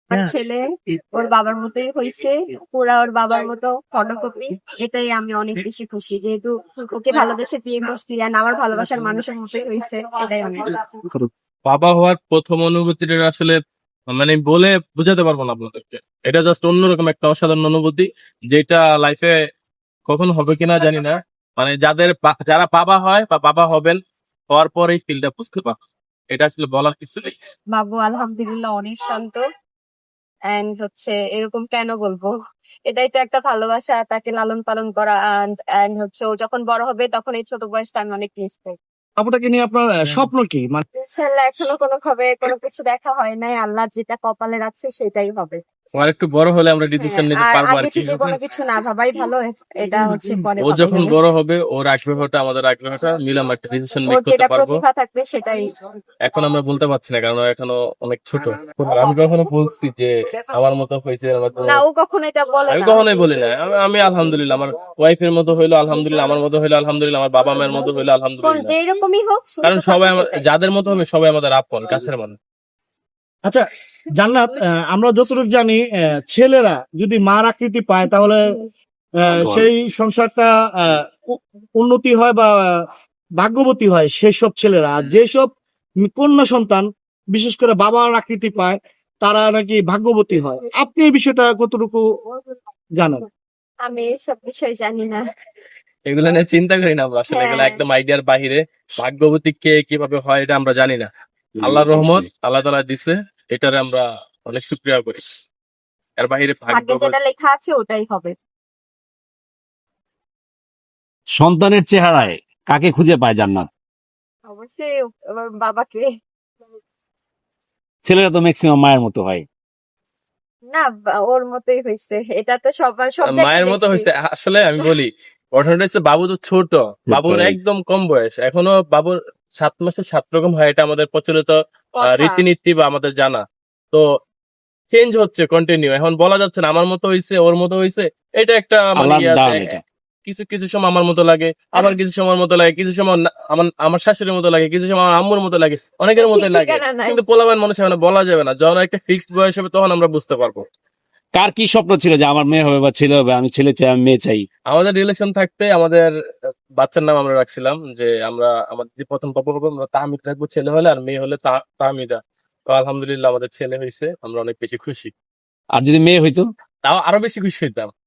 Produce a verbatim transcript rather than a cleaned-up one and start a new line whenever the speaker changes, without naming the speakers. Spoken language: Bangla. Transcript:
আমার ছেলে ওর বাবার মতোই হয়েছে, পুরা ওর বাবার মতো ফটোকপি। এটাই আমি অনেক বেশি খুশি, যেহেতু ওকে ভালোবেসে বিয়ে করছি আর আমার ভালোবাসার মানুষের মতোই হয়েছে, এটাই অনেক।
বাবা হওয়ার প্রথম অনুভূতিটা আসলে মানে বলে বুঝাতে পারবো না আপনাদেরকে। এটা জাস্ট অন্যরকম একটা অসাধারণ অনুভূতি, যেটা লাইফে কখন হবে কিনা জানি না। মানে যাদের বা- যারা বাবা হয় বা বাবা হবেন, হওয়ার পর এই ফিলটা বুঝতে পারবে। এটা আসলে বলার কিছু নেই।
বাবু আলহামদুলিল্লাহ অনেক শান্ত, এন্ড হচ্ছে এরকম কেন বলবো, এটাই তো একটা ভালোবাসা, তাকে লালন পালন করা। এন্ড এন্ড হচ্ছে ও যখন বড় হবে তখন এই ছোট বয়সটা আমি অনেক মিস করবো।
আপুটাকে নিয়ে আপনার আহ, স্বপ্ন কি? মানে
ইনশাআল্লাহ এখনো কোনো ভাবে কোনো কিছু দেখা হয় নাই, আল্লাহ যেটা কপালে রাখছে সেটাই হবে।
আমার একটু বড় হলে আমরা ডিসিশন
হ্যাঁ,
নিতে
আর
পারবো আর
আগে
কি।
থেকে কোনো কিছু না ভাবাই ভালো, এটা হচ্ছে পরে
ও
ভাবা
যখন
যাবে।
বড় হবে, ওর আগ্রহটা আমাদের আগ্রহটা মিলে আমরা একটা ডিসিশন মেক
ওর
করতে
যেটা
পারবো।
প্রতিভা থাকবে সেটাই।
এখন আমরা বলতে পারছি না, কারণ ও এখনো অনেক ছোট। আমি কখনো বলছি যে আমার মতো হয়েছে, আমার মতো-
না, ও কখনো এটা বলে
আমি
না।
কখনোই বলি না। আমি- আমি আলহামদুলিল্লাহ, আমার ওয়াইফের মতো হইলো আলহামদুলিল্লাহ, আমার মতো হইলো আলহামদুলিল্লাহ, আমার বাবা মায়ের মতো হইলো
কোন
আলহামদুলিল্লাহ।
যেই রকমই হোক সুস্থ
কারণ সবাই
থাকুক,
আমার-
এটাই।
যাদের মতো হবে সবাই আমাদের আপন কাছের মানুষ।
আচ্ছা জান্নাত, আহ, আমরা যতটুকু জানি আহ, ছেলেরা যদি মার আকৃতি পায় তাহলে আহ, সেই সংসারটা আহ, উ- উন্নতি হয় বা আহ, ভাগ্যবতী হয় সেই সব ছেলেরা। আর যেসব কন্যা সন্তান বিশেষ করে বাবার আকৃতি পায় তারা নাকি ভাগ্যবতী হয়। আপনি এই বিষয়টা কতটুকু জানেন?
আমি এসব বিষয় জানি না।
এগুলো নিয়ে চিন্তা করি না আমরা আসলে, এগুলো
হ্যাঁ।
একদম আইডিয়ার বাহিরে। ভাগ্যবতী কে কিভাবে হয় এটা আমরা জানি না। আল্লাহর রহমত, আল্লাহ তাআলা দিছে, এটারে আমরা অনেক শুকরিয়া করি। এর বাহিরে
ভাগ্যে
ভাগ্য
যেটা লেখা আছে ওটাই হবে।
সন্তানের চেহারায় কাকে খুঁজে পায় জান্নাত?
অবশ্যই আমার বাবাকে।
ছেলেরা তো ম্যাক্সিমাম মায়ের মতো হয়।
না, বা- ওর মতোই হয়েছে, এটা তো সবার সব জায়গায়
মায়ের মতো
দেখছি।
হয়েছে। আসলে আমি বলি, ঘটনাটা হচ্ছে বাবু তো ছোট, বাবুর একদম কম বয়স এখনো। বাবুর সাত মাসে সাত রকম হয়, এটা আমাদের প্রচলিত আহ,
কথা।
রীতিনীতি বা আমাদের জানা। তো চেঞ্জ হচ্ছে কন্টিনিউ। এখন বলা যাচ্ছে না আমার মতো হয়েছে ওর মতো হয়েছে, এটা একটা মানে
আল্লাহর
ইয়ে আছে।
দান এটা।
কিছু কিছু সময় আমার মতো লাগে, আবার কিছু সময় আমার মতো লাগে, কিছু সময় না- আমার আমার শাশুড়ির মতো লাগে, কিছু সময় আমার আম্মুর মতো লাগে, অনেকের
ঠিক
মতোই লাগে।
ঠিকানা নাই।
কিন্তু পোলাপান মানুষ এখন বলা যাবে না, যখন একটা ফিক্সড বয়স হবে তখন আমরা বুঝতে পারবো।
কার কি স্বপ্ন ছিল যে আমার মেয়ে হবে বা ছেলে হবে? আমি ছেলে চাই, আমি মেয়ে চাই।
আমাদের রিলেশন থাকতে আমাদের বাচ্চার নাম আমরা রাখছিলাম যে আমরা আমাদের যে প্রথম পপ হবে আমরা তাহমিদ রাখবো, ছেলে হলে, আর মেয়ে হলে তা- তাহমিদা। তো আলহামদুলিল্লাহ আমাদের ছেলে হয়েছে, আমরা অনেক বেশি খুশি।
আর যদি মেয়ে হইতো?
তাও আরো বেশি খুশি হইতাম।